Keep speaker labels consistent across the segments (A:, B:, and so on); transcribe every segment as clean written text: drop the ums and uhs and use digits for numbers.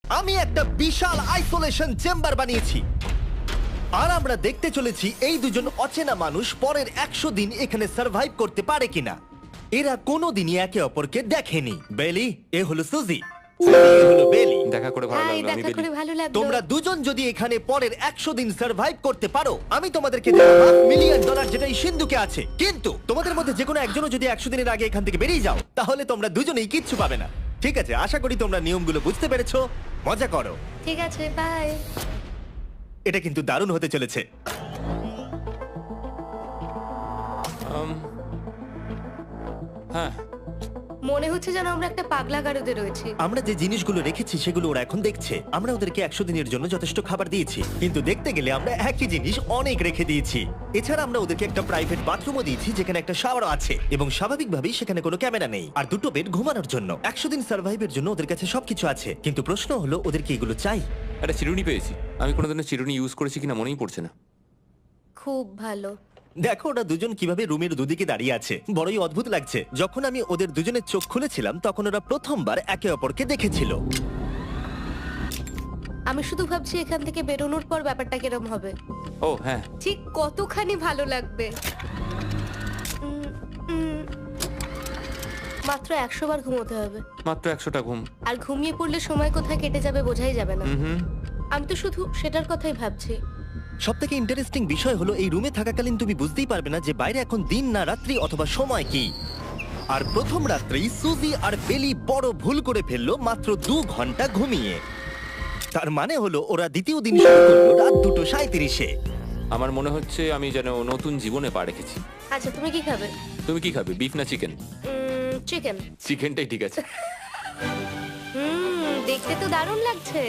A: আমি একটা বিশাল isolation chamber বানিয়েছি, আর আমরা দেখতে চলেছি এই দুজন অচেনা মানুষ পরের 100 দিন এখানে সার্ভাইভ করতে পারে কিনা। এরা কোনোদিনই একে অপরকে দেখেনি। বেলি, এ হলো সুজি, এ হলো বেলি।
B: দেখা করে ভালো
C: হাই,
B: লাগলো। আমি
C: দেখা করে
B: বেলি।
C: ভালো লাগলো।
A: তোমরা দুজন যদি এখানে পরের 100 দিন সার্ভাইভ করতে পারো, আমি তোমাদেরকে দেব $5,000,000, যেটা এই সিন্ধুকে আছে। কিন্তু তোমাদের মধ্যে যে কোনো একজনও যদি 100 দিনের আগে এখান থেকে বেরিয়ে যাও, তাহলে তোমরা দুজনেই কিচ্ছু পাবে না। ঠিক আছে, আশা করি তোমরা নিয়মগুলো বুঝতে পেরেছো। মজা করো।
C: ঠিক আছে, বাই।
A: এটা কিন্তু দারুণ হতে চলেছে।
B: হ্যাঁ,
C: মনে হচ্ছে যেন আমরা একটা পাগলা গারদে রয়েছি।
A: আমরা যে জিনিসগুলো রেখেছি সেগুলো ওরা এখন দেখছে। আমরা ওদেরকে 100 দিনের জন্য যথেষ্ট খাবার দিয়েছি, কিন্তু দেখতে গেলে আমরা একই জিনিস অনেক রেখে দিয়েছি। এছাড়া আমরা ওদেরকে একটা প্রাইভেট বাথরুমও দিয়েছি, যেখানে একটা শাওয়ারও আছে, এবং স্বাভাবিকভাবেই সেখানে কোনো ক্যামেরা নেই, আর দুটো বেড ঘুমানোর জন্য। 100 দিন সার্ভাইভের জন্য ওদের কাছে সবকিছু আছে, কিন্তু প্রশ্ন হলো ওদের কি এগুলো চাই?
B: একটা চিরুনি পেয়েছি। আমি কোনোদিনও চিরুনি ইউজ করেছি কিনা মনেই পড়ছে না।
C: খুব ভালো।
A: দেখো ওরা দুজন কিভাবে রুমের দুদিকে দাঁড়িয়ে আছে, বড়ই অদ্ভুত লাগছে। যখন আমি ওদের দুজনের চোখ খুলেছিলাম, তখন ওরা প্রথমবার একে অপরকে দেখেছিল।
C: আমি শুধু ভাবছি এখান থেকে বেরোনোর পর ব্যাপারটা কিরম হবে।
B: ও হ্যাঁ,
C: ঠিক কতখানি ভালো লাগবে। মাত্র 100 বার ঘুমোতে হবে,
B: মাত্র 100টা ঘুম।
C: আর ঘুমিয়ে পড়লে সময় কোথায় কেটে যাবে বোঝাই যাবে না।
B: হুম।
C: আমি তো শুধু সেটার কথাই ভাবছি।
A: সবথেকে ইন্টারেস্টিং বিষয় হলো এই রুমে থাকাকালীন তুমি বুঝতেই পারবে না যে বাইরে এখন দিন না রাত্রি অথবা সময় কি। আর প্রথম রাত্রেই সুজি আর বেলি বড় ভুল করে ফেললো মাত্র 2 ঘন্টা ঘুমিয়ে। তার মানে হলো ওরা দ্বিতীয় দিন শুরু করলো রাত 2:37-এ।
B: আমার মনে হচ্ছে আমি যেন নতুন জীবনে পা রেখেছি।
C: আচ্ছা, তুমি কি খাবে?
B: তুমি কি খাবে, বিফ না চিকেন?
C: চিকেন।
B: চিকেনটাই ঠিক আছে।
C: দেখতে তো দারুণ লাগছে।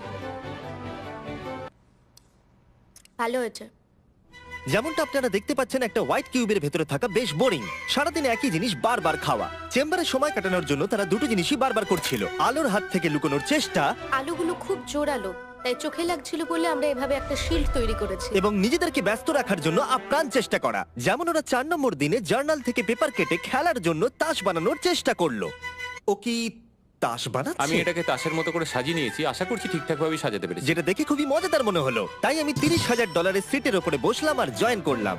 C: ভালো হয়েছে।
A: যেমনটা আপনারা দেখতে পাচ্ছেন, একটা হোয়াইট কিউবের ভেতরে থাকা বেশ বোরিং। সারাদিন একই জিনিস বারবার খাওয়া। চেম্বারে সময় কাটানোর জন্য তারা দুটো জিনিসই বারবার করছিল: আলোর হাত থেকে লুকোনোর চেষ্টা,
C: আলুগুলো খুব জোরালো, তাই চোখে লাগছিল বলে আমরা এভাবে একটা শিল্ড তৈরি করেছি।
A: এবং নিজেদেরকে ব্যস্ত রাখার জন্য আপ্রাণ চেষ্টা করা। যেমন ওরা 4 নম্বর দিনে জার্নাল থেকে পেপার কেটে খেলার জন্য তাস বানানোর চেষ্টা করলো। ও কি তাস বানাচ্ছে?
B: আমি এটাকে তাসের মতো করে সাজিয়ে নিয়েছি, আশা করছি ঠিকঠাক ভাবে সাজাতে পেরেছি।
A: যেটা দেখে খুবই মজাদার মনে হলো, তাই আমি $30,000 সিটের উপরে বসলাম আর জয়েন করলাম।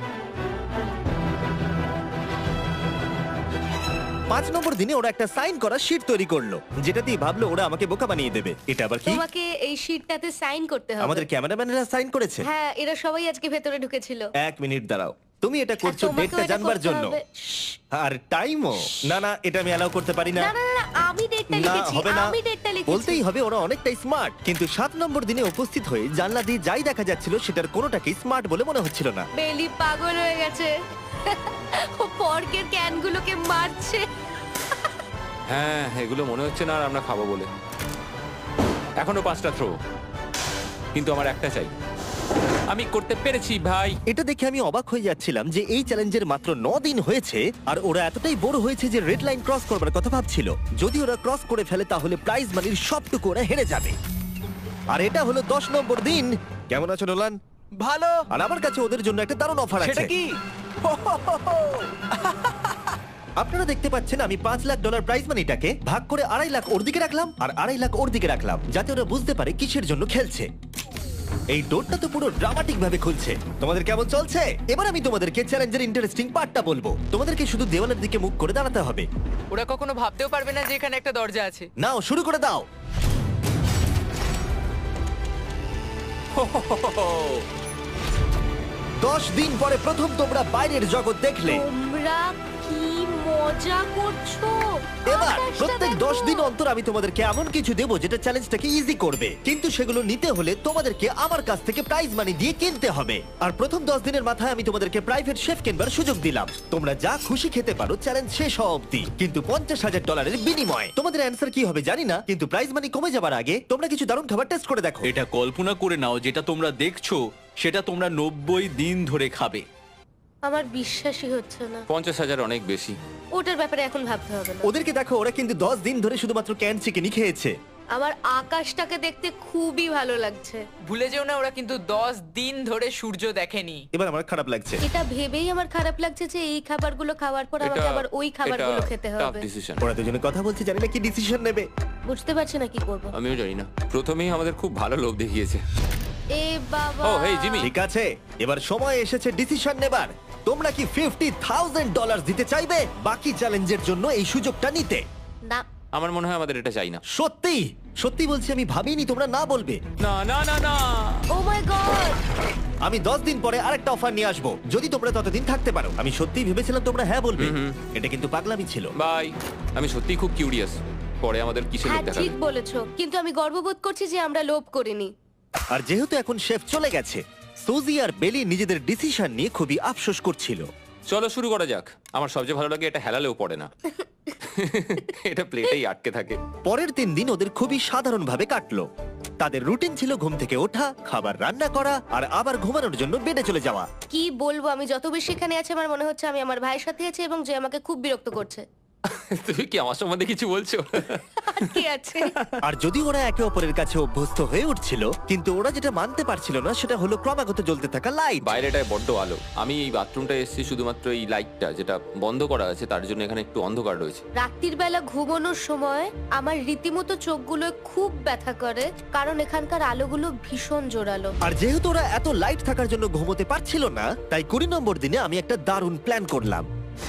A: 5 নম্বর দিনে ওরা একটা সাইন করা শীট তৈরি করলো, যেটা দিয়ে ভাবলো ওরা আমাকে বোকা বানিয়ে দেবে। এটা আবার কি?
C: তোমাকে এই শিটটাতে সাইন করতে হবে।
A: আমাদের ক্যামেরাম্যানেরা সাইন করেছে?
C: হ্যাঁ, এরা সবাই আজকে ভেতরে ঢুকেছিল।
A: 1 মিনিট দাঁড়াও, তুমি এটা করছো
C: আর তোমাকেও
A: ডেটটা
C: এটা
A: জানবার
C: করতে
A: জন্য?
C: হবে। শ্শ্।
A: আর টাইমও? না না, এটা আমি অ্যালাউ করতে পারি না।
C: না না না, আমি ডেটটা
A: না,
C: লিখেছি।
A: হবে না।
C: আমি ডেটটা লিখেছি।
A: বলতেই হবে ওরা অনেকটাই স্মার্ট, কিন্তু 7 নম্বর দিনে উপস্থিত হয়ে জানলা দিয়ে যাই দেখা যাচ্ছিল সেটার কোনোটাকেই স্মার্ট বলে মনে হচ্ছিল না।
C: বেলি পাগল হয়ে গেছে। ও পর্কের ক্যানগুলোকে মারছে।
B: হ্যাঁ, এগুলো মনে হচ্ছে না আর আমরা খাবো বলে। এখনো 5টা থ্রো, কিন্তু আমার একটা চাই। আমি করতে পেরেছি ভাই।
A: এটা দেখে আমি অবাক হয়ে যাচ্ছিলাম যে এই চ্যালেঞ্জের মাত্র 9 দিন হয়েছে, আর ওরা এতটাই বোর হয়েছে যে রেড লাইন ক্রস করবার কথা ভাবছিল। যদি ওরা ক্রস করে ফেলে তাহলে প্রাইজ মানির সবটুকু ওরা হেরে যাবে। আর এটা হলো 10 নম্বর দিন। কেমন আছো নোলান?
D: ভালো।
A: আর আমার কাছে ওদের জন্য একটা দারুণ অফার আছে।
D: সেটা কি?
A: আপনারা দেখতে পাচ্ছেন আমি $5,00,000 প্রাইজ মানিটাকে ভাগ করে 2.5 লাখ ওর দিকে রাখলাম আর 2.5 লাখ ওর দিকে রাখলাম, যাতে ওরা বুঝতে পারে কিসের জন্য খেলছে। এই ডোরটা তো পুরো ড্রামাটিক ভাবে খুলছে। তোমাদের কেমন চলছে? এবার আমি তোমাদেরকে চ্যালেঞ্জের ইন্টারেস্টিং পার্টটা বলবো। তোমাদেরকে শুধু দেওয়ালের দিকে মুখ করে দাঁড়াতে হবে।
D: ওরা কখনো ভাবতেও পারবে না যে এখানে একটা দরজা আছে।
A: নাও শুরু করে দাও। দশ দিন পরে প্রথম তোমরা বাইরের জগৎ দেখলে।
C: তোমরা কি মজা করছো?
A: এবার
C: আকাশটা
A: প্রত্যেক
C: দেখো।
A: 10 দিন অন্তর আমি তোমাদেরকে এমন কিছু দেবো যেটা চ্যালেঞ্জটাকে ইজি করবে, কিন্তু সেগুলো নিতে হলে তোমাদেরকে আমার কাছ থেকে প্রাইজ মানি দিয়ে কিনতে হবে। আর প্রথম 10 দিনের মাথায় আমি তোমাদেরকে প্রাইভেট শেফ কেনবার সুযোগ দিলাম। তোমরা যা খুশি খেতে পারো চ্যালেঞ্জ শেষ হওয়া অব্দি, কিন্তু $50,000 বিনিময়ে। তোমাদের অ্যান্সার কি হবে জানি না, কিন্তু প্রাইজ মানি কমে যাবার আগে তোমরা কিছু দারুণ খাবার টেস্ট করে দেখো।
E: এটা কল্পনা করে নাও, যেটা তোমরা দেখছো সেটা তোমরা 90 দিন ধরে খাবে।
C: আমার বিশ্বাসই হচ্ছে না।
B: 50,000 অনেক বেশি।
C: ওটার ব্যাপারে এখন ভাবতে হবে না।
A: ওদেরকে দেখো, ওরা কিন্তু 10 দিন ধরে শুধুমাত্র ক্যান চিকেনই খেয়েছে।
C: আমার আকাশটাকে দেখতে খুবই ভালো লাগছে।
D: ভুলে যেও না ওরা কিন্তু 10 দিন ধরে সূর্য দেখেনি।
A: এবার আমার খারাপ লাগছে।
C: এটা ভেবেই আমার খারাপ লাগছে যে এই খাবারগুলো খাওয়ার পর আমাকে আবার ওই খাবারগুলো খেতে হবে।
B: ডিসিশন।
A: ওরা দুজনে কথা বলছে, জানি না কি ডিসিশন নেবে।
C: বুঝতে পারছি না কি করব।
B: আমিও জানি না। প্রথমেই আমাদের খুব ভালো লোভ দেখিয়েছে।
C: এ বাবা।
B: ও হেই জিমি,
A: ঠিক আছে, এবার সময় এসেছে ডিসিশন নেবার। তোমরা কি $50,000 দিতে চাইবে বাকি চ্যালেঞ্জের জন্য এই সুযোগটা নিতে?
C: না।
B: আমার মনে হয় আমাদের এটা চাই না।
A: সত্যি সত্যি বলছি, আমি ভাবিনি তোমরা না বলবে।
B: না না না না।
C: Oh my God.
A: আমি 10 দিন পরে আরেকটা অফার নিয়ে আসবো, যদি তোমরা ততদিন থাকতে পারো। আমি সত্যিই ভেবেছিলাম তোমরা হ্যাঁ বলবে। এটা কিন্তু পাগলামি ছিল।
B: বাই। আমি সত্যিই খুব কিউরিয়াস, পরে আমাদের কিসের লোভ
C: হ্যাঁ
B: দেখাবে।
C: ঠিক বলেছো, কিন্তু আমি গর্ববোধ করছি যে আমরা লোভ করিনি।
A: আর যেহেতু এখন শেফ চলে গেছে, সুজি আর বেলি নিজেদের ডিসিশন নিয়ে খুবই আফসোস করছিল।
B: চলো শুরু করা যাক। আমার সবচেয়ে ভালো লাগে এটা হেলালেও পড়ে না। এটা প্লেটেই আটকে থাকে।
A: পরের 3 দিন ওদের খুবই সাধারণভাবে কাটলো। তাদের রুটিন ছিল ঘুম থেকে ওঠা, খাবার রান্না করা আর আবার ঘুমানোর জন্য বেডে চলে যাওয়া।
C: কি বলবো, আমি যত বেশি এখানে আছি আমার মনে হচ্ছে আমি আমার ভাইয়ের সাথে আছি এবং যে আমাকে খুব বিরক্ত করছে।
B: তুমি কি আমার সম্বন্ধে কিছু বলছো?
C: আর কি আছে?
A: আর যদি ওরা একে অপরের কাছে অভ্যস্ত হয়ে উঠছিল, কিন্তু ওরা যেটা মানতে পারছিল না সেটা হলো ক্রমাগত জ্বলতে থাকা লাইট।
B: বাইরেটায় বড্ড আলো। আমি এই বাথরুমটা এসেছি শুধুমাত্র এই লাইটটা যেটা বন্ধ করা আছে তার জন্য এখানে একটু অন্ধকার রয়েছে।
C: রাত্রির বেলা ঘুমানোর সময় আমার রীতিমতো চোখগুলো খুব ব্যথা করে, কারণ এখানকার আলোগুলো ভীষণ জোরালো।
A: আর যেহেতু ওরা এত লাইট থাকার জন্য ঘুমোতে পারছিল না, তাই 20 নম্বর দিনে আমি একটা দারুণ প্ল্যান করলাম।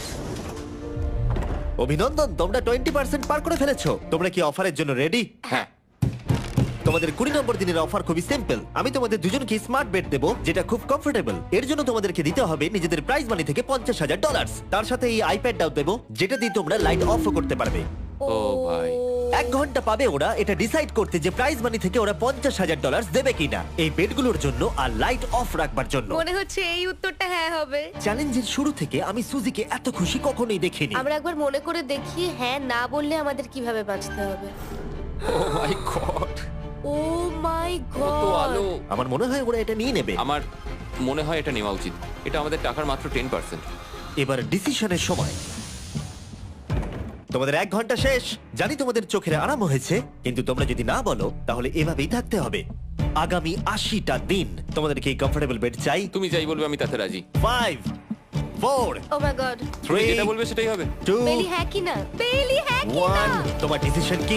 A: অভিনন্দন, তোমরা 20% পার করে ফেলেছো। তোমরা কি অফারের জন্য রেডি?
B: হ্যাঁ।
A: তোমাদের 20 নম্বর দিনের অফার খুবই সিম্পল। আমি তোমাদের দুজনকে স্মার্ট বেড দেবো, যেটা খুব কমফোর্টেবল। এর জন্য তোমাদেরকে দিতে হবে নিজেদের প্রাইজ মানি থেকে $50,000। তার সাথে এই আইপ্যাডটাও দেবো, যেটা দিয়ে তোমরা লাইট অফও করতে পারবে।
B: ও ভাই।
A: 1 ঘন্টা পাবে ওরা এটা ডিসাইড করতে যে প্রাইজ মানি থেকে ওরা $50,000 দেবে কিনা এই বেডগুলোর জন্য আর লাইট অফ রাখবার জন্য।
C: মনে হচ্ছে এই উত্তরটা হ্যাঁ হবে।
A: চ্যালেঞ্জের শুরু থেকে আমি সুজিকে এত খুশি কখনোই দেখিনি।
C: আমরা একবার মনে করে দেখি হ্যাঁ না বললে আমাদের কিভাবে বাঁচতে হবে।
B: ও মাই গড।
C: ও মাই
B: কত
C: গড।
B: আলো।
A: আমার মনে হয় ওরা এটা নিয়ে নেবে।
B: আমার মনে হয় এটা নেওয়া উচিত। এটা আমাদের টাকার মাত্র 10%।
A: এবার ডিসিশনের সময়। তোমাদের 1 ঘন্টা শেষ। জানি তোমাদের চোখের আরাম হয়েছে, কিন্তু তোমরা যদি না বলো তাহলে এভাবেই থাকতে হবে আগামী 80টা দিন। তোমাদেরকে এই কমফোর্টেবল বেড চাই।
B: তুমি যাই বলবে আমি তাতে রাজি।
A: 5 4
C: ও মাই গড।
B: তুমি
A: 3
B: যেটা বলবে সেটাই হবে।
A: 2
C: বেলি হ্যাঁ কি না? বেলি হ্যাঁ কি না?
A: 1 তোমার ডিসিশন কি?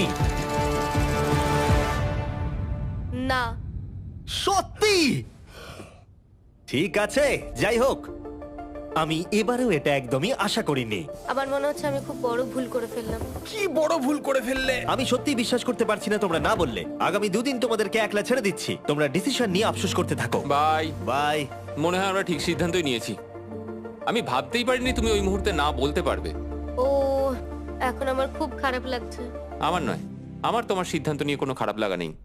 C: না।
A: সত্যি? ঠিক আছে, যাই হোক, আমি এবারেও এটা একদমই আশা করিনি।
C: আমার মনে হচ্ছে আমি খুব বড় ভুল করে ফেললাম।
B: কি বড় ভুল করে ফেললে।
A: আমি সত্যি বিশ্বাস করতে পারছি না তোমরা না বললে। আগামী 2 দিন তোমাদেরকে একলা ছেড়ে দিচ্ছি। তোমরা ডিসিশন নিয়ে আফসোস করতে থাকো।
B: বাই।
A: বাই।
B: মনে হয় আমরা ঠিক সিদ্ধান্তই নিয়েছি। আমি ভাবতেই পারিনি তুমি ওই মুহূর্তে না বলতে পারবে।
C: ও এখন আমার খুব খারাপ লাগছে।
B: আমার নয়, আমার তোমার সিদ্ধান্ত নিয়ে কোনো খারাপ লাগা নেই।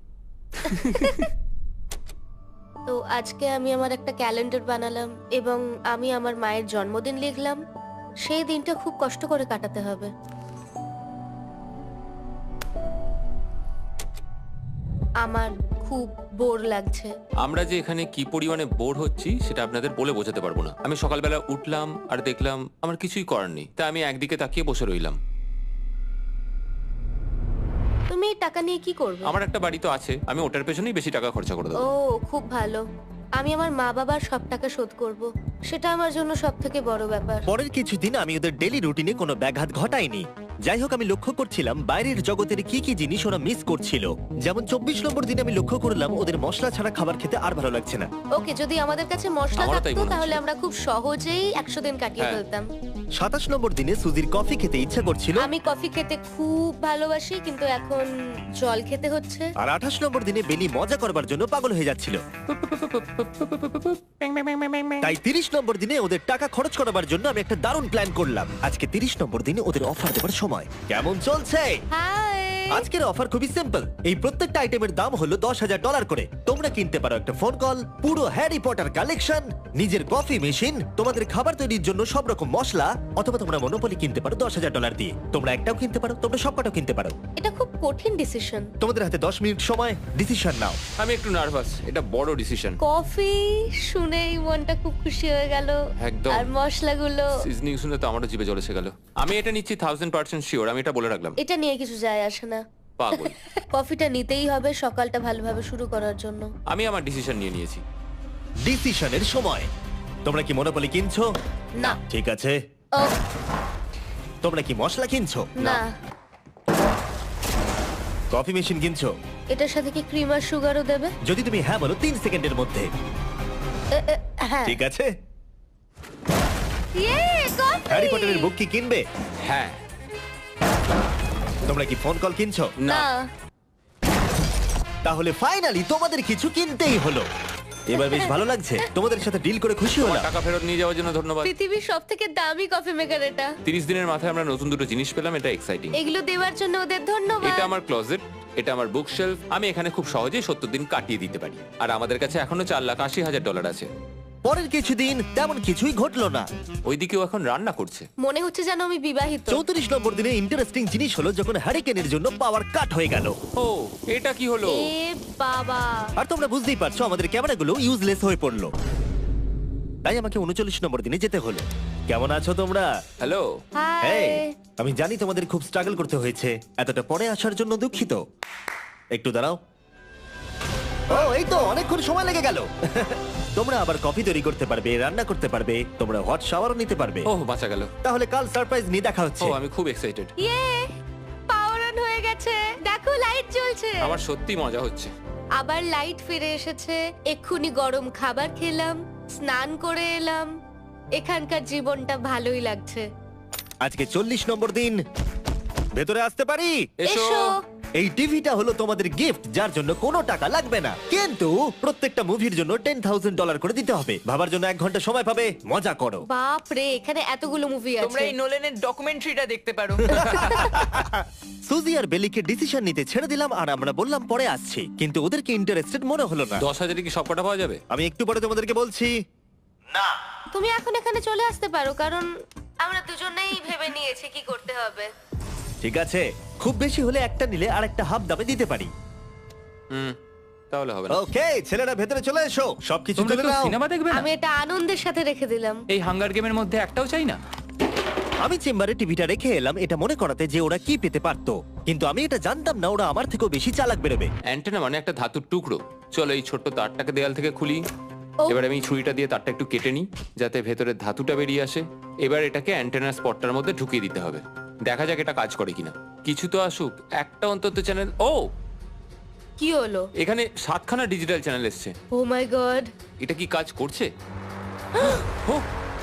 C: তো আজকে আমি আমার একটা ক্যালেন্ডার বানালাম এবং আমি আমার মায়ের জন্মদিন লিখলাম। সেই দিনটা খুব কষ্ট করে কাটাতে হবে। আমার খুব বোর লাগছে।
B: আমরা যে এখানে কি পরিমাণে বোর হচ্ছি সেটা আপনাদের বলে বোঝাতে পারবো না। আমি সকালবেলা উঠলাম আর দেখলাম আমার কিছুই করার নেই, তাই আমি একদিকে তাকিয়ে বসে রইলাম।
C: তুমি এই টাকা নিয়ে কি করবে?
B: আমার একটা বাড়ি তো আছে, আমি ওটার পেছনেই বেশি টাকা খরচা করে
C: ও
B: দেবো।
C: খুব ভালো। আমি আমার মা বাবার সব টাকা শোধ করব। সেটা আমার জন্য সব থেকে বড় ব্যাপার।
A: পরের কিছুদিন আমি ওদের ডেলি রুটিনে কোনো ব্যাঘাত ঘটাইনি। যাই হোক, আমি লক্ষ্য করছিলাম বাইরের জগতের কি কি জিনিস ওরা মিস করছিল। যেমন 24 নম্বর দিনে আমি লক্ষ্য করলাম ওদের মশলা ছাড়া খাবার খেতে আর ভালো লাগছে না।
C: ওকে, যদি আমাদের কাছে মশলা
B: আমারও তাই
C: থাকতো
B: মনে হচ্ছে।
C: তাহলে আমরা খুব সহজেই 100 দিন কাটিয়ে
B: হ্যাঁ।
C: ফেলতাম।
A: 27 নম্বর দিনে সুজির কফি খেতে ইচ্ছা করছিল।
C: আমি কফি খেতে খুব ভালোবাসি, কিন্তু এখন জল খেতে হচ্ছে।
A: আর 28 নম্বর দিনে বেলি মজা করবার জন্য পাগল হয়ে যাচ্ছিল। তাই 30 নম্বর দিনে ওদের টাকা খরচ করাবার জন্য আমি একটা দারুণ প্ল্যান করলাম। আজকে 30 নম্বর দিনে ওদের অফার দেবার সময়। কেমন চলছে?
C: হাই।
A: আজকের অফার খুবই সিম্পল। এই প্রত্যেকটা আইটেমের দাম হলো $10,000 করে। তোমরা কিনতে পারো একটা ফোন কল, পুরো হ্যারি পটার কালেকশন, নিজের কফি মেশিন, তোমাদের খাবার তৈরির জন্য সব রকম মশলা, অথবা তোমরা মনোপলি কিনতে পারো $10,000 দিয়ে। তোমরা একটাও কিনতে পারো, তোমরা সবকটাও কিনতে পারো।
C: এটা খুব কঠিন ডিসিশন।
A: তোমাদের হাতে 10 মিনিট সময়, ডিসিশন নাও।
B: আমি একটু নার্ভাস, এটা বড় ডিসিশন।
C: কফি শুনেই মনটা খুব খুশি হয়ে গেল।
B: একদম।
C: আর মশলাগুলো,
B: সিজনিং শুনে তো আমারও জিভে জল এসে গেল। আমি এটা নিচ্ছি 1000% শিওর, আমি এটা বলে রাখলাম।
C: এটা নিয়ে কিছু যায় আসে না।
B: পাগল।
C: কফিটা নিতেই হবে সকালটা ভালোভাবে শুরু করার জন্য।
B: আমি আমার ডিসিশন নিয়ে নিয়েছি।
A: ডিসিশনের সময়। তোমরা কি মনোপলি কিনছো?
C: না।
A: ঠিক আছে।
C: ও
A: তোমরা কি মশলা কিনছো?
C: না,
A: কফি মেশিন কিনছো?
C: এটার সাথে কি ক্রিম আর সুগারও দেবে?
A: যদি তুমি হ্যাঁ বলো 3 সেকেন্ডের মধ্যে।
C: হ্যাঁ।
A: ঠিক আছে।
C: ইয়ে, কফি!
A: হ্যারি পটারের বুক কি কিনবে?
B: হ্যাঁ।
A: তোমরা কি ফোন কল কিনছো?
C: না।
A: তাহলে ফাইনালি তোমাদের কিছু কিনতেই হলো। এবার বেশ ভালো লাগছে। তোমাদের সাথে ডিল করে খুশি
B: তোমার
A: হলাম।
B: টাকা ফেরত নিয়ে যাওয়ার জন্য ধন্যবাদ।
C: পৃথিবীর সবথেকে দামি কফি মেকার এটা।
B: 30 দিনের মাথায় আমরা নতুন দুটো জিনিস পেলাম, এটা এক্সাইটিং।
C: এগুলো দেওয়ার জন্য ওদের ধন্যবাদ।
B: এটা আমার ক্লোজেট, এটা আমার বুকশেলফ। আমি এখানে খুব সহজেই 70 দিন কাটিয়ে দিতে পারি। আর আমাদের কাছে এখনো $4,80,000 আছে।
A: পরের কিছুদিন তেমন কিছুই ঘটলো না।
B: ওইদিকেও এখন রান্না করছে।
C: মনে হচ্ছে যেন আমি বিবাহিত।
A: 34 নম্বর দিনে ইন্টারেস্টিং জিনিস হলো যখন হ্যারিকেনের জন্য পাওয়ার কাট হয়ে গেল।
B: ও, এটা কি হলো?
C: এ বাবা!
A: আর তোমরা বুঝতেই পারছো আমাদের ক্যামেরাগুলো ইউজলেস হয়ে পড়লো। তাই আমাকে 39 নম্বর দিনে যেতে হলো। কেমন আছো তোমরা?
B: হ্যালো।
C: হাই।
A: এই, আমি জানি তোমাদের খুব স্ট্রাগল করতে হয়েছে। এতটা পরে আসার জন্য দুঃখিত। একটু দাঁড়াও। ও, এই তো অনেকক্ষণ সময় লেগে গেল। তোমরা আবার কফি তৈরি করতে পারবে, রান্না করতে পারবে, তোমরা হট শাওয়ারও নিতে পারবে।
B: ওহ, বাঁচা গেল।
A: তাহলে কাল সারপ্রাইজ নিয়ে দেখা হচ্ছে।
B: ও, আমি খুব এক্সাইটেড।
C: ইয়ে! পাওয়ার অন হয়ে গেছে। দেখো লাইট জ্বলছে।
B: আমার সত্যি মজা হচ্ছে।
C: আবার লাইট ফিরে এসেছে। এক্ষুনি গরম খাবার খেলাম, স্নান করে এলাম। এখানকার জীবনটা ভালোই লাগছে।
A: আজকে 40 নম্বর দিন। ভেতরে আসতে পারি?
B: এসো।
A: এই টিভিটা হলো তোমাদের গিফট, যার জন্য কোনো টাকা লাগবে না, কিন্তু প্রত্যেকটা মুভির জন্য $10,000 করে দিতে হবে। ভাবার জন্য 1 ঘন্টা সময় পাবে। মজা করো।
C: বাপ রে, এখানে এতগুলো মুভি
D: তোমরা
C: আছে।
D: এই নোলেনের ডকুমেন্টারিটা দেখতে পারো।
A: সুজি আর বেলিকে ডিসিশন নিতে ছেড়ে দিলাম আর আমরা বললাম পরে আসছি, কিন্তু ওদেরকে ইন্টারেস্টেড মনে হলো না।
B: 10,000 কি সব কটা পাওয়া যাবে?
A: আমি একটু পরে তোমাদেরকে বলছি। না,
C: তুমি এখন এখানে চলে আসতে পারো, কারণ আমরা দুজনেই ভেবে নিয়েছি কি করতে হবে।
A: ঠিক আছে, খুব বেশি হলে একটা নিলে আর একটা হাফ দামে দিতে পারি।
B: তাহলে হবে না।
A: ওকে, ছেলেরা ভেতরে চলে এসো, সবকিছু
E: তোমরা
A: তুলে
E: কেউ
A: নাও।
E: সিনেমা দেখবে না?
C: আমি এটা আনন্দের সাথে রেখে দিলাম।
E: এই হাঙ্গার গেমের মধ্যে একটাও চাই না।
A: আমি চেম্বারে টিভিটা রেখে এলাম এটা মনে করাতে যে ওরা কি পেতে পারতো, কিন্তু আমি এটা জানতাম না ওরা আমার থেকেও বেশি চালাক বেরোবে।
B: অ্যান্টেনা মানে একটা ধাতুর টুকরো। চলো এই ছোট্ট তারটাকে দেয়াল থেকে খুলি।
C: ও।
B: এবার আমি ছুরিটা দিয়ে তারটা একটু কেটে নিই যাতে ভেতরের ধাতুটা বেরিয়ে আসে। এবার এটাকে অ্যান্টেনার স্পটটার মধ্যে ঢুকিয়ে দিতে হবে। দেখা যাক এটা কাজ করে কিনা। কিছু তো আসুক, একটা অন্তত চ্যানেল। ও,
C: কি হলো?
B: এখানে 7খানা ডিজিটাল চ্যানেল এসছে।
C: Oh my god!
B: এটা কি কাজ করছে? ও,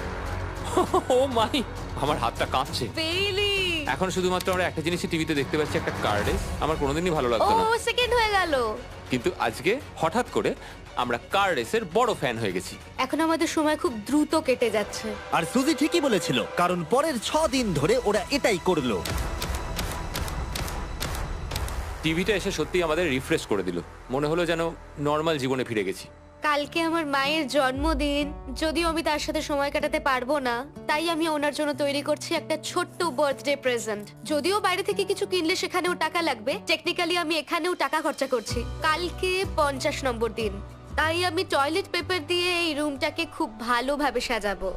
B: ও মাই, আমার হাতটা কাঁপছে।
C: বেইলি!
B: এখন শুধুমাত্র আমরা একটা জিনিসই টিভিতে দেখতে পাচ্ছি, একটা কার্ডে। আমার কোনোদিনই ভালো
C: ও
B: লাগতো না,
C: সেকেন্ড হয়ে গেল।
B: কিন্তু আজকে হঠাৎ করে আমরা কার রেসের বড় ফ্যান হয়ে গেছি।
C: এখন আমাদের সময় খুব দ্রুত কেটে যাচ্ছে।
A: আর সুজি ঠিকই বলেছিল, কারণ পরের 6 দিন ধরে ওরা এটাই করলো।
B: টিভিটা এসে সত্যি আমাদের রিফ্রেশ করে দিল। মনে হলো যেন নর্মাল জীবনে ফিরে গেছি।
C: কালকে আমার মায়ের জন্মদিন, যদিও আমি তার সাথে সময় কাটাতে পারবো না, তাই আমি ওনার জন্য তৈরি করছি একটা ছোট্ট বার্থডে প্রেজেন্ট। যদিও বাইরে থেকে কিছু কিনলে সেখানেও টাকা লাগবে, টেকনিক্যালি আমি এখানেও টাকা খরচা করছি। কালকে 50 নম্বর দিন, তাই আমি টয়লেট পেপার দিয়ে এই রুমটাকে খুব ভালোভাবে সাজাবো।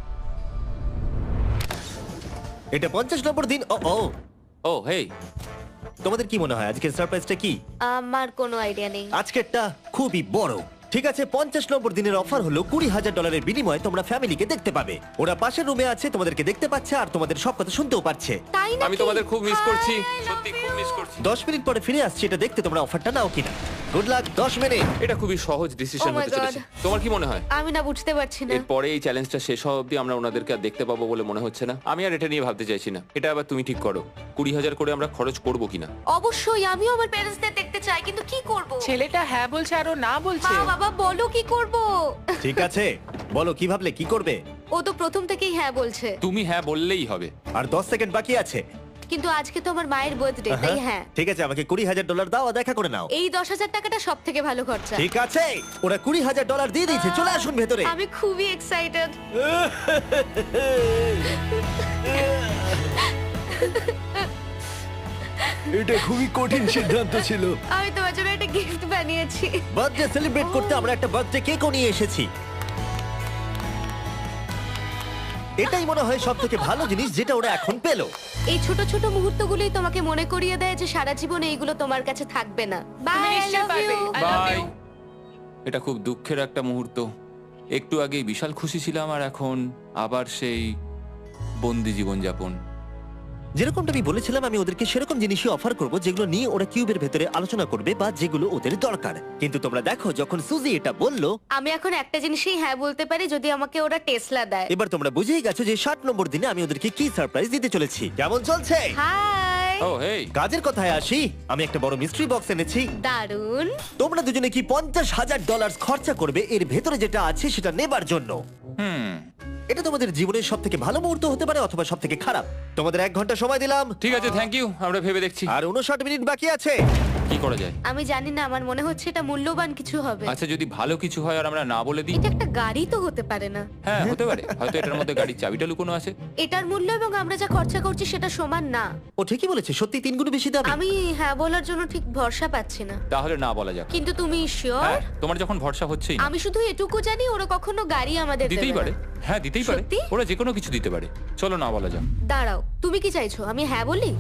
A: এটা 50 নম্বর দিন। ও ও,
B: ও হেই,
A: তোমাদের কি মনে হয় আজকের সারপ্রাইজটা কি?
C: আমার কোনো আইডিয়া নেই।
A: আজকেরটা খুবই বড়। ঠিক আছে, 50 নম্বর দিনের অফার হলো $20,000 বিনিময়ে তোমরা ফ্যামিলিকে দেখতে পাবে। ওরা পাশের রুমে আছে, তোমাদেরকে দেখতে পাচ্ছে আর তোমাদের সব কথা শুনতেও পাচ্ছে।
C: তাই না?
B: আমি তোমাদের খুব মিস করছি, সত্যি খুব মিস করছি।
A: 10 মিনিট পরে ফিরে আসছি এটা দেখতে তোমরা অফারটা নাও কিনা। Good luck. 10 মিনিট।
B: এটা খুবই সহজ ডিসিশন
C: Oh my
B: হতে চলেছে।
C: God.
B: তোমার কি মনে হয়?
C: আমি না বুঝতে পারছি না।
B: এরপরে এই চ্যালেঞ্জটা শেষ হওয়া অবধি আমরা ওনাদেরকে আর দেখতে পাবো বলে মনে হচ্ছে না। আমি আর এটা নিয়ে ভাবতে চাইছি না। এটা আবার তুমি ঠিক করো, 20,000 করে আমরা খরচ করবো কিনা।
C: অবশ্যই আমিও আমার প্যারেন্টসদের দেখতে চাই, কিন্তু কি করব?
D: ছেলেটা হ্যাঁ বলছে আর ও না বলছে।
C: মা বাবা বলো কি করব?
A: ঠিক আছে, বলো কি ভাবলে, কি করবে?
C: ও তো প্রথম থেকেই হ্যাঁ বলছে,
B: তুমি হ্যাঁ বললেই হবে।
A: আর 10 সেকেন্ড বাকি আছে।
C: কিন্তু আজকে তো আমার মায়ের বার্থডে, তাই হ্যাঁ।
A: ঠিক আছে, আমাকে $20,000 দাও আর দেখা করে নাও।
C: এই 10,000 টাকাটা সব থেকে ভালো খরচা।
A: ঠিক আছে, ওরা $20,000 দিয়ে দিয়েছে। চলে আসুন ভেতরে।
C: আমি খুবই এক্সাইটেড।
A: এটা খুবই কঠিন সিদ্ধান্ত ছিল।
C: আমি তোমার জন্য একটা গিফট বানিয়েছি।
A: বার্থডে সেলিব্রেট করতে আমরা একটা বার্থডে কেকও নিয়ে এসেছি। এটাই মনে হয় সব থেকে ভালো জিনিস যেটা ওরা এখন পেলো।
C: এই ছোট ছোট মুহূর্তগুলোই তোমাকে মনে করিয়ে দেয় যে সারা জীবন এইগুলো তোমার কাছে থাকবে না। বাই, আই
D: নিশ্চয়ই
C: লাভ
D: পারবে।
C: You.
D: I love
B: bye.
D: you.
B: এটা খুব দুঃখের একটা মুহূর্ত। একটু আগেই বিশাল খুশি ছিলাম আর এখন আবার সেই বন্দি জীবনযাপন।
A: যেরকমটা আমি বলেছিলাম, আমি ওদেরকে সেরকম জিনিসই অফার করব যেগুলো নিয়ে ওরা কিউবের ভেতরে আলোচনা করবে বা যেগুলো ওদের দরকার। কিন্তু তোমরা দেখো, যখন সুজি এটা বললো,
C: আমি এখন একটা জিনিসই হ্যাঁ বলতে পারি, যদি আমাকে ওরা টেসলা দেয়।
A: এবার তোমরা বুঝেই গেছো যে 60 নম্বর দিনে আমি ওদেরকে কি সারপ্রাইজ দিতে চলেছি। কেমন চলছে?
C: হাই,
B: ও হেই,
A: কাজের কথায় আসি, আমি একটা বড় মিস্ট্রি বক্স এনেছি।
C: দারুন।
A: তোমরা দুজনে কি $50,000 খরচা করবে এর ভেতরে যেটা আছে সেটা নেবার জন্য? এটা তোমাদের জীবনের সব থেকে ভালো মুহূর্ত হতে পারে অথবা সব থেকে খারাপ। তোমাদের 1 ঘন্টা সময় দিলাম
B: ঠিক আছে, থ্যাংক ইউ। আমরা ভেবে দেখছি
A: আর 59 মিনিট বাকি আছে।
B: কি করা যায়।
C: আমি জানি না, আমার মনে হচ্ছে এটা মূল্যবান কিছু হবে।
B: আচ্ছা, যদি ভালো কিছু হয় আর আমরা না বলে দিই?
C: এটা একটা গাড়ি তো হতে পারে না।
B: হ্যাঁ, হতে পারে। হয়তো এটার মধ্যে গাড়ির চাবিটা লুকোনো আছে।
C: এটার মূল্য এবং আমরা যা খরচা করছি সেটা সমান না।
A: ও ঠিকই বলেছে, সত্যি 3 গুণ বেশি দামি।
C: আমি হ্যাঁ বলার জন্য ঠিক ভরসা পাচ্ছি না।
B: তাহলে না বলা যাক।
C: কিন্তু তুমি শিওর?
B: হ্যাঁ, তোমার যখন ভরসা হচ্ছেই না।
C: আমি শুধু এটুকু জানি, ওরা কখনো গাড়ি আমাদের
B: দিতেই
C: দেবে
B: পারে।
C: না।
B: হ্যাঁ, দিতেই পারে।
C: সত্যি?
B: ওরা যে কোনো কিছু দিতে পারে। চলো না বলা যাক।
C: দাঁড়াও, তুমি কি চাইছো আমি হ্যাঁ বলি?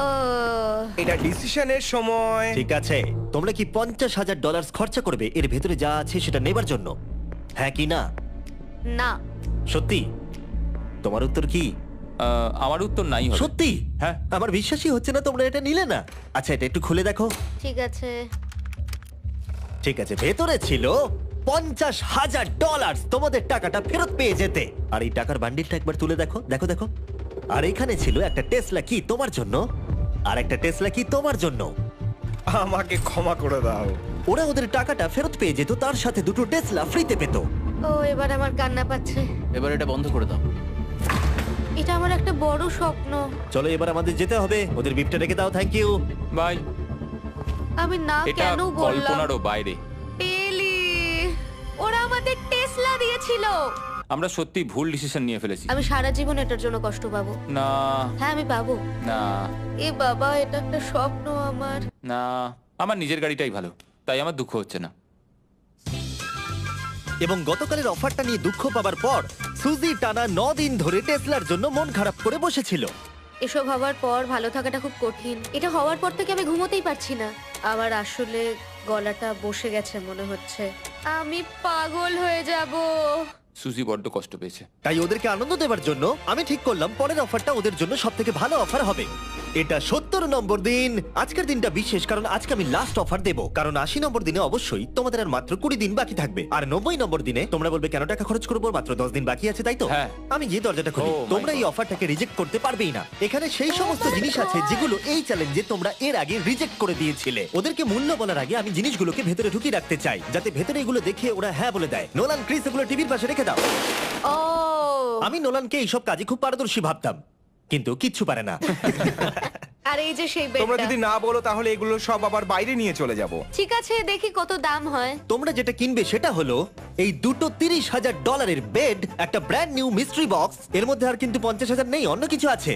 F: এটা ডিসিশনের সময়।
A: ঠিক আছে, তোমরা কি $50,000 খরচা করবে এর ভেতরে যা আছে সেটা নেবার জন্য? হ্যাঁ কি না?
C: না।
A: সত্যি? তোমার উত্তর কি?
B: আমার উত্তর নাই হবে।
A: সত্যি?
B: হ্যাঁ।
A: আমার বিশ্বাসই হচ্ছে না তোমরা এটা নিলে না। আচ্ছা, এটা একটু খুলে দেখো।
C: ঠিক আছে।
A: ঠিক আছে, ভেতরে ছিল $50,000। তোমাদের টাকাটা ফেরত পেয়ে যেতে। আর এই টাকার বান্ডিলটা একবার তুলে দেখো, দেখো দেখো। আর এখানে ছিল একটা টেসলা কি তোমার জন্য, আর একটা টেসলা কি তোমার জন্য।
F: আমাকে ক্ষমা করে দাও।
A: ওরা ওদের টাকাটা ফেরত পেয়ে যেত, তার সাথে 2টো টেসলা ফ্রিতে পেত।
C: ও, এবার আমার কান্না পাচ্ছে।
E: এবার এটা বন্ধ করে দাও।
C: এটা আমার একটা বড় স্বপ্ন।
A: চলো এবার আমাদের যেতে হবে। ওদের বিপটা রেখে দাও। Thank you.
B: বাই।
C: আমি না
B: এটা
C: কেন বললাম?
B: কল্পনারও বাইরে।
C: পেলি, ওরা আমাদের টেসলা দিয়েছিল।
B: আমরা সত্যি ভুল ডিসিশন নিয়ে ফেলেছি।
C: আমি সারা জীবন এটার জন্য কষ্ট পাবো।
B: না
C: হ্যাঁ, আমি পাবো।
B: না
C: এ বাবা, এটা একটা স্বপ্ন আমার।
B: না, আমার নিজের গাড়িটাই ভালো, তাই আমার দুঃখ হচ্ছে না।
A: এবং গতকালের অফারটা নিয়ে দুঃখ পাবার পর সুজি টানা 9 দিন ধরে টেসলার জন্য মন খারাপ করে বসেছিল।
C: এসব হওয়ার পর ভালো থাকাটা খুব কঠিন। এটা হওয়ার পর থেকে আমি ঘুমোতেই পারছি না। আমার আসলে গলাটা বসে গেছে মনে হচ্ছে। আমি পাগল হয়ে যাব।
B: সুজি বড্ড কষ্ট পেয়েছে।
A: তাই ওদেরকে আনন্দ দেওয়ার জন্য আমি ঠিক করলাম পরের অফারটা ওদের জন্য সব থেকে ভালো অফার হবে। এটা 70 নম্বর দিন। আজকের দিনটা বিশেষ কারণ আজকে আমি লাস্ট অফার দেব। কারণ 80 নম্বর দিনে অবশ্যই তোমাদের আর মাত্র 20 দিন বাকি থাকবে। আর 90 নম্বর দিনে তোমরা বলবে কেন টাকা খরচ করবো, মাত্র 10 দিন বাকি আছে, তাই তো?
B: হ্যাঁ।
A: আমি গিয়ে দরজাটা খুলি।
B: Oh my
A: তোমরা এই
B: God.
A: অফারটাকে রিজেক্ট করতে পারবেই না। এখানে সেই সমস্ত জিনিস আছে যেগুলো এই চ্যালেঞ্জে তোমরা এর আগে রিজেক্ট করে দিয়েছিলে। ওদেরকে মূল্য বলার আগে আমি জিনিসগুলোকে ভেতরে ঢুকিয়ে রাখতে চাই, যাতে ভেতরে এগুলো দেখে ওরা হ্যাঁ বলে দেয়। নোলান, ক্রিস, এগুলো টিভির পাশে রেখে দাও।
C: ও,
A: আমি নোলানকে এইসব কাজে খুব পারদর্শী ভাবতাম, কিন্তু কিচ্ছু পারে না।
C: আর এই যে সেই
F: তোমরা
C: বেডটা।
F: যদি না বলো তাহলে এগুলো সব আবার বাইরে নিয়ে চলে যাব।
C: ঠিক আছে, দেখি কত দাম হয়।
A: তোমরা যেটা কিনবে সেটা হলো এই দুটো $30,000 বেড, একটা ব্র্যান্ড নিউ মিস্ট্রি বক্স। এর মধ্যে আর কিন্তু 50,000 নেই, অন্য কিছু আছে।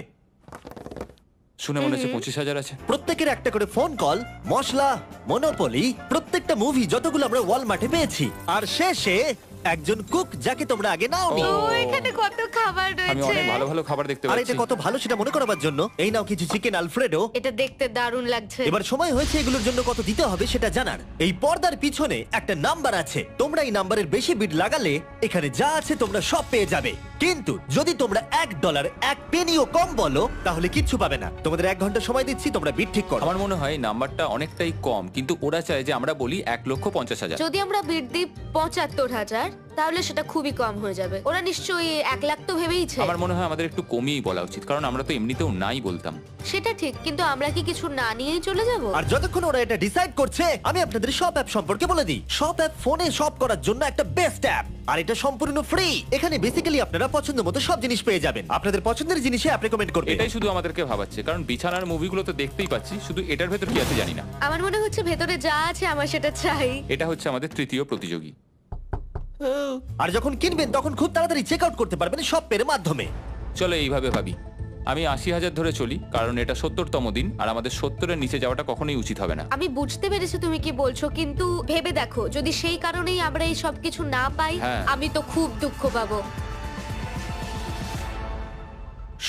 B: শুনে মনে হচ্ছে 25,000 আছে।
A: প্রত্যেকের একটা করে ফোন কল, মশলা, মনোপলি, প্রত্যেকটা মুভি যতগুলো আমরা ওয়ালমার্টে পেয়েছি। আর শেষে একজন কুক যাকে তোমরা আগে নাওনি।
B: ও।
C: ও, এখানে কত খাবার
B: আমি
C: রয়েছে।
B: অনেক ভালো ভালো খাবার দেখতে
A: আর
B: পাচ্ছি।
A: এটা কত ভালো সেটা মনে করাবার জন্য এই নাও কিছু চিকেন আলফ্রেডো।
C: এটা দেখতে দারুণ লাগছে।
A: এবার সময় হয়েছে এগুলোর জন্য কত দিতে হবে সেটা জানার। এই পর্দার পিছনে একটা নাম্বার আছে। তোমরা এই নাম্বারের বেশি বিড লাগালে এখানে যা আছে তোমরা সব পেয়ে যাবে। কিন্তু যদি তোমরা $1 এক পেনিও কম বলো তাহলে কিচ্ছু পাবে না। তোমাদের 1 ঘন্টা সময় দিচ্ছি, তোমরা বিড ঠিক করো।
B: আমার মনে হয় নাম্বারটা অনেকটাই কম, কিন্তু ওরা চায় যে আমরা বলি 1,50,000।
C: যদি আমরা বিড দিই 75,000, তাহলে সেটা খুবই কম হয়ে যাবে। ওরা নিশ্চয়ই 1 লাখ তো ভেবেইছে।
B: আমার মনে হয় আমাদের একটু কমিয়েই বলা উচিত, কারণ আমরা তো এমনিতেও নাই বলতাম।
C: সেটা ঠিক, কিন্তু আমরা কি কিছু না নিয়েই চলে যাব?
A: আর যতক্ষণ ওরা এটা ডিসাইড করছে আমি আপনাদের শপ অ্যাপ সম্পর্কে বলে দিই। শপ অ্যাপ ফোনে শপ করার জন্য একটা বেস্ট অ্যাপ, আর এটা সম্পূর্ণ ফ্রি। এখানে বেসিক্যালি আপনারা পছন্দ মতো সব জিনিস পেয়ে যাবেন। আপনাদের পছন্দের জিনিসে অ্যাপ রেকমেন্ড করবে।
B: এটাই শুধু আমাদেরকে ভাবাচ্ছে, কারণ বিছানার মুভিগুলো তো দেখতেই পাচ্ছি, শুধু এটার ভেতর কি আছে জানি না।
C: আমার মনে হচ্ছে ভেতরে যা আছে আমার সেটা চাই।
B: এটা হচ্ছে আমাদের তৃতীয় প্রতিযোগী।
A: আর যখন কিনবেন তখন খুব তাড়াতাড়ি চেক আউট করতে পারবেন শপ পের মাধ্যমে।
B: চলো এইভাবে ভাবি। আমি 80,000 ধরে চলি, কারণ এটা 70তম দিন, আর আমাদের 70-এর নিচে যাওয়াটা কখনোই উচিত হবে না।
C: আমি বুঝতে পেরেছি তুমি কি বলছো, কিন্তু ভেবে দেখো যদি সেই কারণেই আমরা এই সব কিছু না পাই,
B: হ্যাঁ।
C: আমি তো খুব দুঃখ পাবো।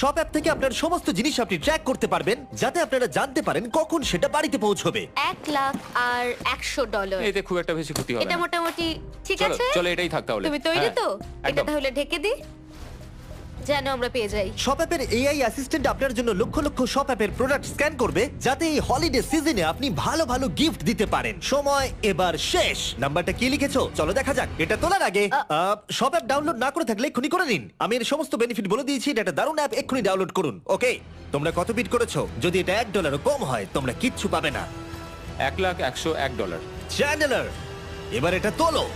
A: শপ অ্যাপ থেকে আপনার সমস্ত জিনিস আপনি ট্র্যাক করতে পারবেন, যাতে আপনারা জানতে পারেন কখন সেটা বাড়িতে পৌঁছবে।
C: $1,00,000 আর $100।
B: এতে খুব একটা বেশি ক্ষতি হবে
C: এটা
B: না।
C: মোটামুটি ঠিক
B: চলো
C: আছে।
B: চলো এটাই থাক তাহলে।
C: তুমি তৈরি
B: হ্যাঁ,
C: তো? এটা
B: একদম।
C: তাহলে ঢেকে দি, যেন আমরা পেয়ে যাই।
A: শপ অ্যাপের এআই অ্যাসিস্ট্যান্ট আপনার জন্য লক্ষ লক্ষ শপ অ্যাপের প্রোডাক্ট স্ক্যান করবে, যাতে এই হলিডে সিজনে আপনি ভালো ভালো গিফট দিতে পারেন। সময় এবার শেষ। নাম্বারটা কি লিখেছো চলো দেখা যাক। এটা তোলার আগে শপ অ্যাপ ডাউনলোড না করে থাকলে এক্ষুনি করে নিন। আমি এর সমস্ত বেনিফিট বলে দিয়েছি। এটা একটা দারুণ অ্যাপ, এক্ষুনি ডাউনলোড করুন। ওকে, তোমরা কত বিট করেছো? যদি এটা $1 কম হয় তোমরা কিচ্ছু পাবে না।
B: $1,01,101।
A: চ্যান্ডেলার, এবার এটা তোলো।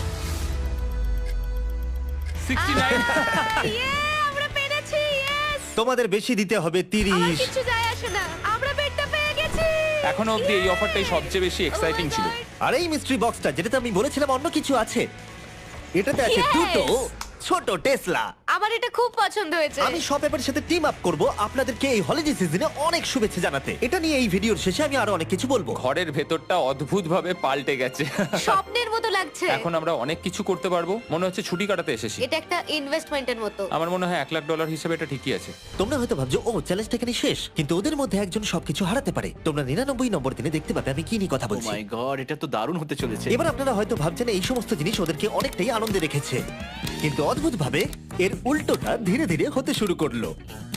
B: 69।
C: ইয়ে, আমরা পেরেছি। ইয়েস!
A: তোমাদের বেশি দিতে হবে
C: আমার
A: 30।
C: কিছু যায় আসে না, আমরা বেডটা পেয়ে গেছি।
B: এখনো অবধি এই অফারটাই সবচেয়ে বেশি এক্সাইটিং ছিল।
A: আর এই মিস্ট্রি বক্সটা, যেটাতে আমি বলেছিলাম অন্য কিছু আছে, এটাতে আছে
C: Yes!
A: দুটো ছোট টেসলা।
C: আমার এটা খুব পছন্দ হয়েছে।
A: আমি শপ অ্যাপের সাথে টিম আপ করব আপনাদেরকে এই হলিডে সিজনে অনেক শুভেচ্ছা জানাতে। এটা নিয়ে এই ভিডিওর শেষে আমি আরো অনেক কিছু বলবো।
B: ঘরের ভেতরটা অদ্ভুতভাবে পাল্টে গেছে।
C: স্বপ্নের মতো লাগছে।
B: এখন আমরা অনেক কিছু করতে পারবো, মনে হচ্ছে ছুটি কাটাতে এসেছি।
C: এটা একটা ইনভেস্টমেন্টের মতো।
B: আমার মনে হয় $1,00,000 হিসেবে এটা ঠিকই আছে।
A: তোমরা হয়তো ভাবছো ও চ্যালেঞ্জটা এখানে শেষ, কিন্তু ওদের মধ্যে একজন সবকিছু হারাতে পারে। তোমরা 99 নম্বর দিনে দেখতে পাবে আমি কি নিয়ে কথা
E: ও
A: বলছি।
E: মাই গড, এটা তো দারুণ হতে চলেছে।
A: এবার আপনারা হয়তো ভাবছেন এই সমস্ত জিনিস ওদেরকে অনেকটাই আনন্দে রেখেছে, কিন্তু অদ্ভুতভাবে এর উল্টোটা ধীরে ধীরে হতে শুরু করলো।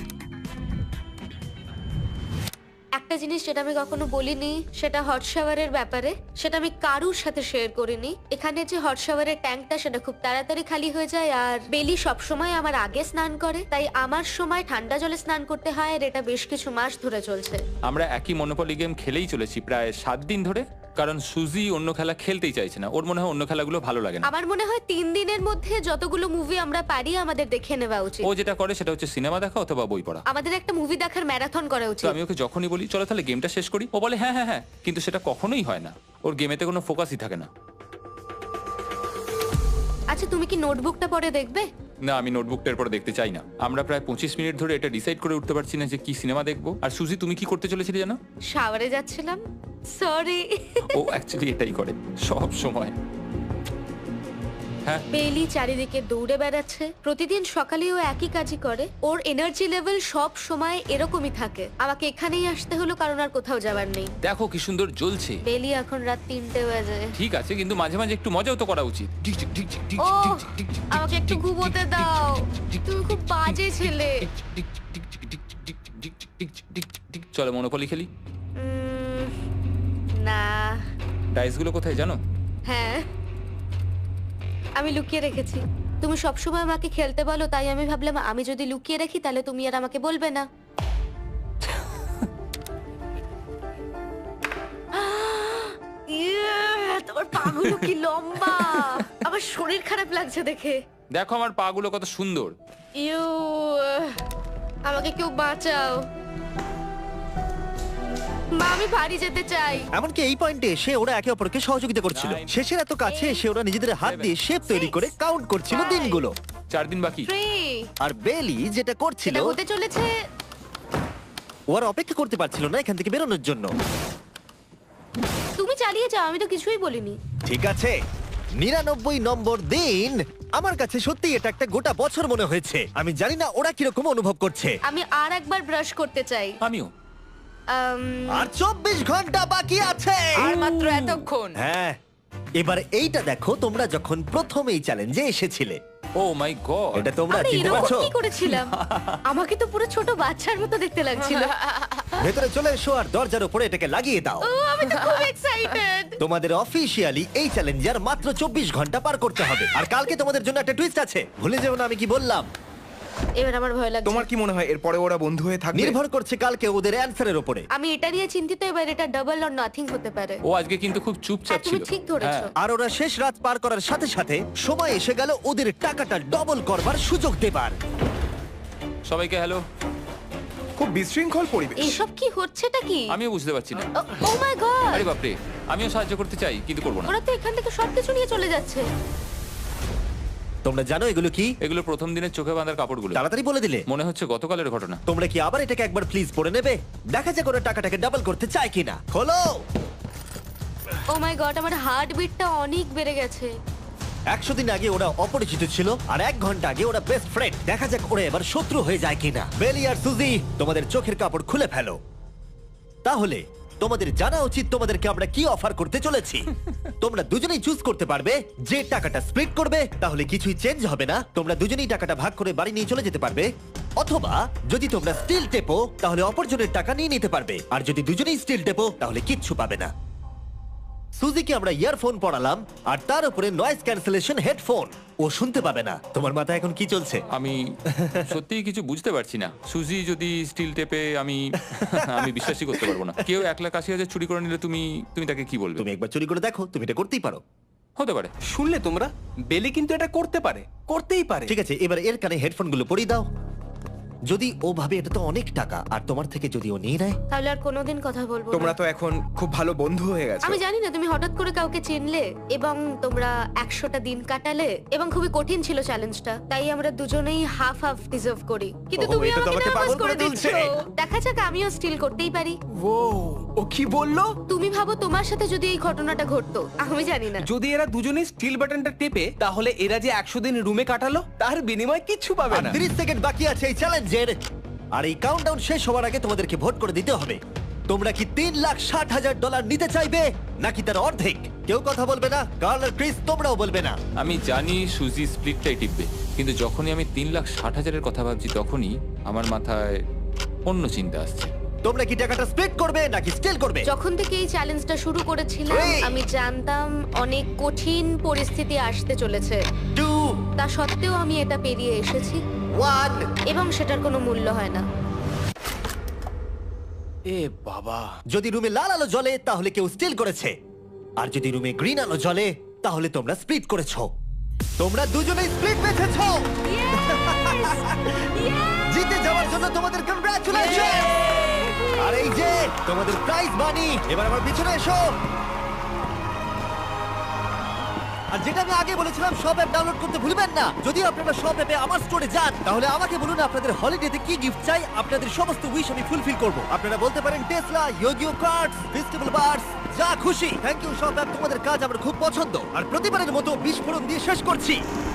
C: একটা জিনিস যেটা আমি কখনো বলিনি, সেটা হট শাওয়ারের ব্যাপারে। সেটা আমি কারুর সাথে শেয়ার করিনি। এখানে যে হট শাওয়ারের ট্যাঙ্কটা, সেটা খুব তাড়াতাড়ি খালি হয়ে যায়। আর বেলি সবসময় আমার আগে স্নান করে, তাই আমার সময় ঠান্ডা জলে স্নান করতে হয়। আর এটা বেশ কিছু মাস ধরে চলছে।
B: আমরা একই মনোপলি গেম খেলেই চলেছি প্রায় 7 দিন ধরে, কারণ সুজি অন্য খেলা খেলতেই চাইছে না। ওর মনে হয় অন্য খেলাগুলো ভালো লাগে না।
C: আমার মনে হয় 3 দিনের মধ্যে যতগুলো মুভি আমরা পারি আমাদের দেখে নেওয়া উচিত।
B: ও যেটা করে সেটা হচ্ছে সিনেমা দেখা অথবা বই পড়া।
C: আমাদের একটা মুভি দেখার ম্যারাথন করা
B: তো
C: উচিত।
B: আমি ওকে যখনই বলি চলো তাহলে গেমটা শেষ করি, ও বলে হ্যাঁ হ্যাঁ হ্যাঁ, কিন্তু সেটা কখনোই হয় না। ওর গেমেতে কোনো ফোকাসই থাকে না।
C: আচ্ছা, তুমি কি নোটবুকটা পরে দেখবে?
B: না, আমি নোটবুকটার পরে দেখতে চাই না। আমরা প্রায় 25 মিনিট ধরে এটা ডিসাইড করে উঠতে পারছি না যে কি সিনেমা দেখবো। আর সুজি, তুমি কি করতে চলেছিলে জানো?
C: শাওয়ারে যাচ্ছিলাম। সরি।
B: ও অ্যাকচুয়ালি এটাই করে সব সময়। হ্যাঁ,
C: বেলি চারিদিকে দৌড়ে বেড়াচ্ছে। প্রতিদিন সকালে ও একই কাজই করে। ওর এনার্জি লেভেল সব সময় এরকমই থাকে। আমাকে এখানেই আসতে হলো, কারণ আর কোথাও যাবার নেই।
B: দেখো কি সুন্দর জ্বলছে।
C: বেলি এখন রাত 3টে বাজে।
B: ঠিক আছে, কিন্তু মাঝে মাঝে একটু মজাও তো করা উচিত।
C: ও, আমাকে একটু ঘুমোতে দাও। তুমি খুব বাজে ছেলে।
B: চলো মনোপলি খেলি।
C: না।
B: ডাইসগুলো কোথায় জানো?
C: হ্যাঁ, আমি লুকিয়ে রেখেছি। তুমি সবসময় আমাকে খেলতে বলো, তাই আমি ভাবলাম আমি যদি লুকিয়ে রাখি তাহলে তুমি আর আমাকে বলবে না। তোমার পাগুলো কি লম্বা! আমার শরীর খারাপ লাগছে দেখে।
B: দেখো আমার পাগুলো কত সুন্দর।
C: ইউ, আমাকে কেউ বাঁচাও। মা, আমি বাড়ি যেতে চাই।
A: এমনকি এই পয়েন্টে এসে ওরা একে অপরকে সহযোগিতা করছিল।
B: 9,
A: শেষের এত কাছে এসে ওরা নিজেদের হাত
B: 7,
A: দিয়ে শেপ তৈরি করে কাউন্ট করছিল
C: 5,
A: দিনগুলো।
B: 4 দিন বাকি।
C: 3,
A: আর বেলি যেটা করছিল,
C: এটা হতে চলেছে।
A: ও আর অপেক্ষা করতে পারছিল না এখান থেকে বেরোনোর জন্য।
C: তুমি চালিয়ে যাও, আমি তো কিছুই বলিনি।
A: ঠিক আছে, 99 নম্বর দিন। আমার কাছে সত্যি এটা একটা গোটা বছর মনে হয়েছে। আমি জানি না ওরা কিরকম অনুভব করছে।
C: আমি আর একবার ব্রাশ করতে চাই।
B: আমিও।
A: আর 24 ঘন্টা বাকি আছে।
D: আর মাত্র এতক্ষণ।
A: হ্যাঁ, এবার এইটা দেখো, তোমরা যখন প্রথম এই চ্যালেঞ্জে এসেছিলে,
B: ও মাই গড।
A: এটা তোমরা
C: আমি
A: চিনতে
C: এরকম
A: পারছো?
C: কি করেছিলাম? আমাকে তো পুরো ছোট বাচ্চার মতো দেখতে লাগছিল।
A: ভেতরে চলে এসো আর দরজার উপরে এটাকে লাগিয়ে দাও।
C: ও, আমি তো খুব এক্সাইটেড।
A: তোমাদের অফিসিয়ালি এই চ্যালেঞ্জে আর মাত্র 24 ঘন্টা পার করতে হবে। আর কালকে তোমাদের জন্য একটা টুইস্ট আছে, ভুলে যেও না আমি কি বললাম।
C: এবার আমার ভয় লাগছে।
F: তোমার কি মনে হয় এরপরে ওরা বন্ধু হয়ে থাকবে?
A: নির্ভর করছে কালকে ওদের অ্যানসারের উপরে।
C: আমি এটা নিয়ে চিন্তিত। এবার এটা ডাবল অর নাথিং হতে পারে।
B: ও আজকে কিন্তু খুব চুপচাপ
C: হ্যাঁ, তুমি
B: ছিল।
C: ঠিক ধরেছো।
B: হ্যাঁ।
A: আর ওরা শেষ রাত পার করার সাথে সাথে সময় এসে গেল ওদের টাকাটা ডবল করবার সুযোগ দেবার।
B: সবাইকে হ্যালো।
F: খুব বিশৃঙ্খল পরিবেশ।
C: এসব কি হচ্ছেটা কি?
B: আমিও বুঝতে পারছি না।
C: Oh my god!
B: আরে বাপরে, আমিও সাহায্য করতে চাই কিন্তু করবো না।
C: ওরা তো এখান থেকে সবকিছু নিয়ে চলে যাচ্ছে।
A: তোমরা জানো এগুলো কি?
B: এগুলো প্রথম দিনের চোখে বাঁধার কাপড়গুলো।
A: তাড়াতাড়ি বলে দিলে।
B: মনে হচ্ছে গতকালের ঘটনা।
A: তোমরা কি আবার এটাকে একবার প্লিজ পড়ে নেবে? দেখা যাক ওরা টাকাটাকে ডাবল করতে চায় কিনা। খোলো।
C: ও মাই গড, আমার হার্ট বিটটা অনেক বেড়ে গেছে।
A: 100 দিন আগে ওরা অপরিচিত ছিল আর 1 ঘন্টা আগে ওরা বেস্ট ফ্রেন্ড। দেখা যাক ওরা এবার শত্রু হয়ে যায় কিনা। বেলি আর সুজি, তোমাদের চোখের কাপড় খুলে ফেলো। তাহলে তোমাদের জানা উচিত তোমাদেরকে আমরা কি অফার করতে চলেছি। তোমরা দুজনেই চুজ করতে পারবে যে টাকাটা স্প্লিট করবে, তাহলে কিছুই চেঞ্জ হবে না। তোমরা দুজনেই টাকাটা ভাগ করে বাড়ি নিয়ে চলে যেতে পারবে। অথবা যদি তোমরা স্টিল টেপো তাহলে অপরজনের টাকা নিয়ে নিতে পারবে, আর যদি দুজনেই স্টিল টেপো তাহলে কিচ্ছু পাবে না। সুজিকে আমরা ইয়ারফোন পরালাম আর তার উপরে নয়েজ ক্যান্সেলেশন হেডফোন। ও শুনতে পাবে না। তোমার মাথায় এখন কি চলছে?
B: আমি সত্যিই কিছু বুঝতে পারছি না। সুজি যদি স্টিল টেপে আমি বিশ্বাসই করতে পারবো না। কেউ 1,80,000 চুরি করে নিলে তুমি তাকে কি বলবে?
A: তুমি একবার চুরি করে দেখো, তুমি এটা করতেই পারো।
B: হতে পারে।
G: শুনলে তোমরা, বেলি কিন্তু এটা করতে পারে, করতেই পারে।
A: ঠিক আছে, এবার এর কানে হেডফোনগুলো পরিয়ে দাও। যদি ও ভাবে এটা তো অনেক টাকা, আর তোমার থেকে যদি ও নিয়ে নেয়,
C: তাহলে আর কোনোদিন কথা বলবো না।
F: তোমরা তো এখন খুব ভালো বন্ধু হয়ে গেছো।
C: আমি জানি না তুমি হঠাৎ করে কাউকে চিনলে এবং তোমরা 100টা দিন কাটালে এবং খুবই কঠিন ছিল চ্যালেঞ্জটা, তাই আমরা দুজনেই হাফ হাফ ডিজার্ভ করি। কিন্তু
A: ওহ,
C: তুমি
A: এটা তো
C: আমাকে
A: আমাকে
C: নার্ভাস
A: পাগল
C: করে
A: করে
C: দিচ্ছ।
A: তুলছে।
C: দেখা যাক, আমিও স্টিল করতেই পারি।
G: ও কি বললো?
C: তুমি ভাবো তোমার সাথে যদি এই ঘটনাটা ঘটতো, আমি জানি না।
G: যদি এরা দুজনেই স্টিল বাটনটা টেপে, তাহলে এরা যে 100 দিন রুমে কাটালো তার বিনিময়ে কিচ্ছু পাবে
A: আর
G: না।
A: 30 সেকেন্ড বাকি আছে এই চ্যালেঞ্জের। আর এই কাউন্টডাউন শেষ হওয়ার আগে তোমাদেরকে ভোট করে দিতে হবে। তোমরা কি $3,60,000 নিতে চাইবে নাকি তার অর্ধেক? কেউ কথা বলবে না। কার্ল আর ক্রিস, তোমরাও বলবে না।
B: আমি জানি সুজি স্প্লিটটাই টিপবে, কিন্তু যখনই আমি 3,60,000-এর কথা ভাবছি তখনই আমার মাথায় অন্য চিন্তা আসছে।
A: তোমরা কি টাকাটা স্প্লিট করবে নাকি স্টিল করবে?
C: যখন থেকে এই চ্যালেঞ্জটা শুরু করেছিলাম
A: Three.
C: আমি জানতাম অনেক কঠিন পরিস্থিতি আসতে চলেছে।
A: 2,
C: তা সত্ত্বেও আমি এটা পেরিয়ে এসেছি
A: 1।
C: এবং সেটার কোনো মূল্য হয় না।
G: এ বাবা,
A: যদি রুমে লাল আলো জ্বলে তাহলে কেউ স্টিল করেছে, আর যদি রুমে গ্রিন আলো জ্বলে তাহলে তোমরা স্প্লিট করেছো। তোমরা দুজনেই স্প্লিট বেঁচেছো। জিতে যাওয়ার জন্য তোমাদের কংগ্রাচুলেশন। আর এই যে তোমাদের প্রাইজ মানি। এবার আমার পিছনে এসো। আর যেটা আমি আগে বলেছিলাম, সব অ্যাপ ডাউনলোড করতে ভুলবেন না। যদি আপনারা সব অ্যাপে আমার স্টোরে যান, তাহলে আমাকে বলুন আপনাদের হলিডেতে কি গিফট চাই। আপনাদের সমস্ত উইশ আমি ফুলফিল করব। আপনারা বলতে পারেন টেসলা, ইয়োগিও কার্ডস, ফেস্টিভ্যাল বার্স, যা খুশি। থ্যাংক ইউ সব অ্যাপ, তোমাদের কাজ আমার খুব পছন্দ। আর প্রতিবারের মতো বিস্ফোরণ দিয়ে শেষ করছি।